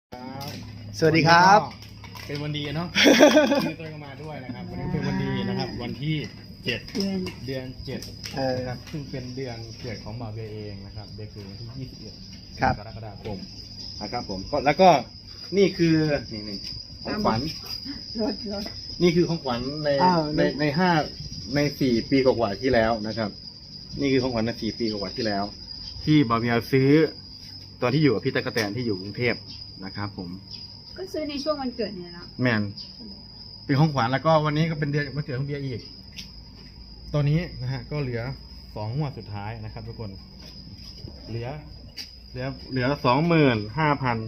สวัสดีครับเป็นวันดีเนาะ มีตัวก็มาด้วยนะครับวันนี้เป็นวันดีนะครับวันที่7เดือน7นะครับซึ่งเป็นเดือนเกิดของบ่าวเบียเองนะครับเบียคือวันที่21 ครับกรกฎาคมนะครับผมก็แล้วก็นี่คือนี่ของขวัญนี่คือของขวัญใน4 ปีกว่าๆที่แล้วนะครับนี่คือของขวัญใน4 ปีกว่าๆที่แล้ว ที่บ่าวเบียซื้อตอนที่อยู่กับพี่ตะกะแตนที่อยู่กรุงเทพนะครับผมก็ซื้อในช่วงวันเกิดเนี่ยนะแมนเป็นของขวัญแล้วก็วันนี้ก็เป็นเดือนวันเกิดของเบียร์อีกตอนนี้นะฮะก็เหลือ2 งวดสุดท้ายนะครับทุกคนเหลือ25,000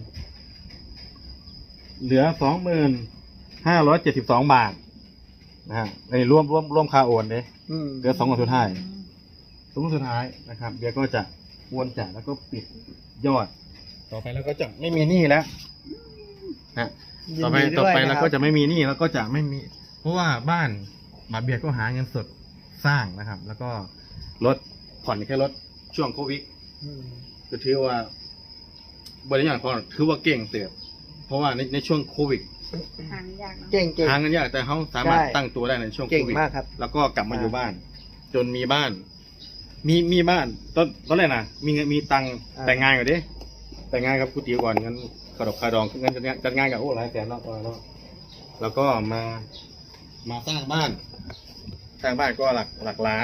เหลือ25,572 บาทนะฮะในรวมค่าโอนเลยเหลือ2 งวดสุดท้าย2 งวดสุดท้ายนะครับเบียร์ก็จะโอนจ่ายแล้วก็ปิดยอดต่อไปแล้วก็จะไม่มีหนี้แล้วฮะต่อไปแล้วก็จะไม่มีหนี้แล้วก็จะไม่มีเพราะว่าบ้านมาเบียร์ก็หาเงินสดสร้างนะครับ แล้วก็ลดผ่อนแค่ลดช่วงโควิดก็ถือว่าบริษัทพอถือว่าเก่งเติบเพราะว่าในช่วงโควิดหาเงินยากเนาะเก่งหาเงินยากแต่เขาสามารถตั้งตัวได้ในช่วงโควิดเก่งมากครับแล้วก็กลับมาอยู่บ้าน จนมีบ้าน มีบ้านตอนแรกนะมีเงินมีตังค์แต่งงานก่อนดิแต่งงานกับกูตีก่อนเงินขดกคาดองเงินจัดงานกับโอ้หลายแสนแล้วแล้วก็มาสร้างบ้านก็หลักล้าน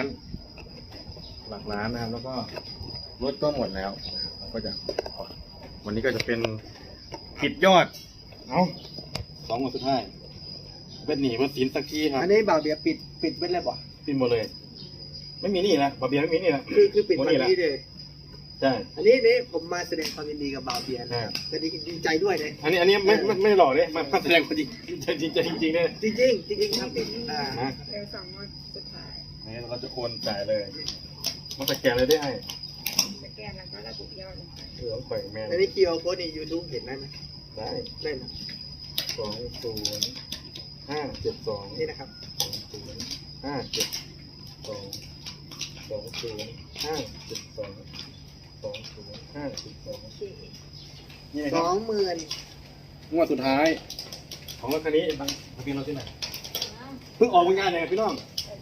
นะครับแล้วก็รถก็หมดแล้วนะครับก็จะวันนี้ก็จะเป็นปิดยอด2 วันสุดท้ายเป็นหนี้เป็นสินสักทีครับอันนี้บ่าวเบียร์ปิดไว้แล้วบ่ปิดหมดเลย ไม่มีหนี้นะบาเบียไม่มีหนี้นะคือปิดวันนี้เลยใช่อันนี้ผมมาแสดงความยินดีกับบ่าวเบียร์นะครับก็ดีใจด้วยเลยอันนี้ไม่หล่อเลยมาแสดงความจริงจริงเลยจริงครับนะเร็ว2 วันสุดท้ายนี่เราจะโอนจ่ายเลยมันสแกนเลยได้ไอ้สแกนแล้วก็ระบุยอดลงไปเหลือข่อยแมนอันนี้คิวโค้ดใน YouTube เห็นได้ไหมได้ได้นะ 20572 นี่นะครับโอเคนี่ครับ 20,000 งวดสุดท้าย ของรถคันนี้บางทะเบียนรถที่ไหนเพิ่งออกงานเลยพี่น้อง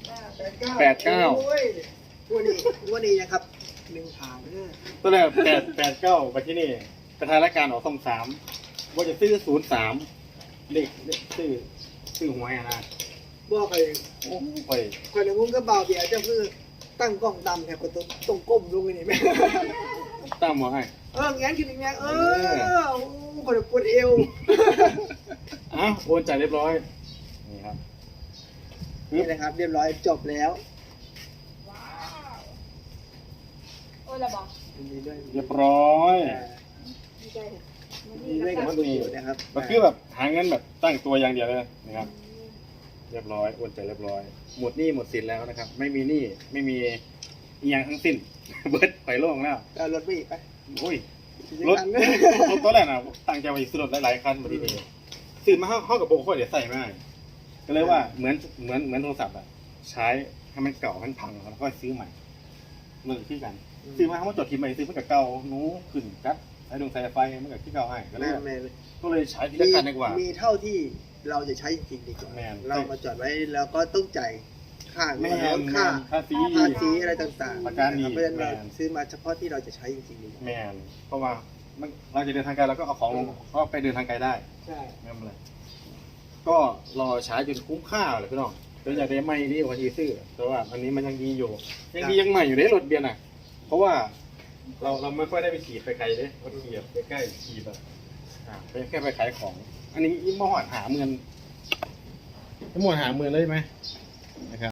89 โอ้ยวันนี้นะครับ1 ผ่านเนี่ยตัวแรก889ไปที่นี่ประธานรายการออก23ว่าจะซื้อ03เลขซื้อหวยอะนะบอกเลยโอ้ไปคนในมุ้งก็บ่าวเบียร์จะคือตั้งกล้องดำแถบประตูตรงก้มลงนี่ไหมตามหมอให้งั้นคืออย่างเงี้ยโอ้คนปวดเอวโอนจ่ายเรียบร้อยนี่ครับนี่นะครับ เรียบร้อยจบแล้วว้าวโอ้ยระบอกยินดีด้วยเรียบร้อยดีใจเถอะยินดีด้วยกับคุณอยู่นะครับมันคือแบบหาเงินแบบตั้งตัวอย่างเดียวเลยนะครับ เรียบร้อยโอนจ่ายเรียบร้อยหมดหนี้หมดสินแล้วนะครับ ไม่มีหนี้ไม่มีอีหยังทั้งสิ้น เบิร์ดไปโล่งแล้วเอารถไปอีกไปโอ้ยรถตัวแรกนะตั้งใจไว้ซื้อรถหลายๆคันมาทีเดียวซื้อมาเข้ากับโบค่อยเดี๋ยวใส่ไม่ได้ก็เลยว่าเหมือนโทรศัพท์อะใช้ให้มันเก่าให้มันพังแล้วก็ซื้อใหม่เลิกที่กันซื้อมาเขามาจดทีใหม่ซื้อมากับเก่านู้ขึ้นครับใช้ดวงสายไฟมันกับที่เก่าให้ก็เลยใช้ที่ละคันดีกว่ามีเท่าที่เราจะใช้จริงๆดีกว่าแม่นเรามาจอดไว้แล้วก็ต้องจ่ายค่าแม่ค่าสีอะไรต่างๆประกันอีกเพราะฉะนั้นเราแม่นซื้อมาเฉพาะที่เราจะใช้จริงๆดีกว่าแมนเพราะว่าเราจะเดินทางไกลเราก็เอาของลงก็ไปเดินทางไกลได้ใช่ไม่เป็นไรก็รอใช้จนคุ้มค่าเลยพี่น้องจนอยากได้ไม่ดีกว่าที่ซื้อแต่ว่าอันนี้มันยังดีอยู่ยังใหม่อยู่ในรถเบียร์น่ะเพราะว่าเราไม่ค่อยได้ไปขี่ไปไกลเลยรถขี่แบบใกล้ๆขี่แบบไปแค่ไปขายของ อันนี้มอดหาเมือนเลยไหมนะครับ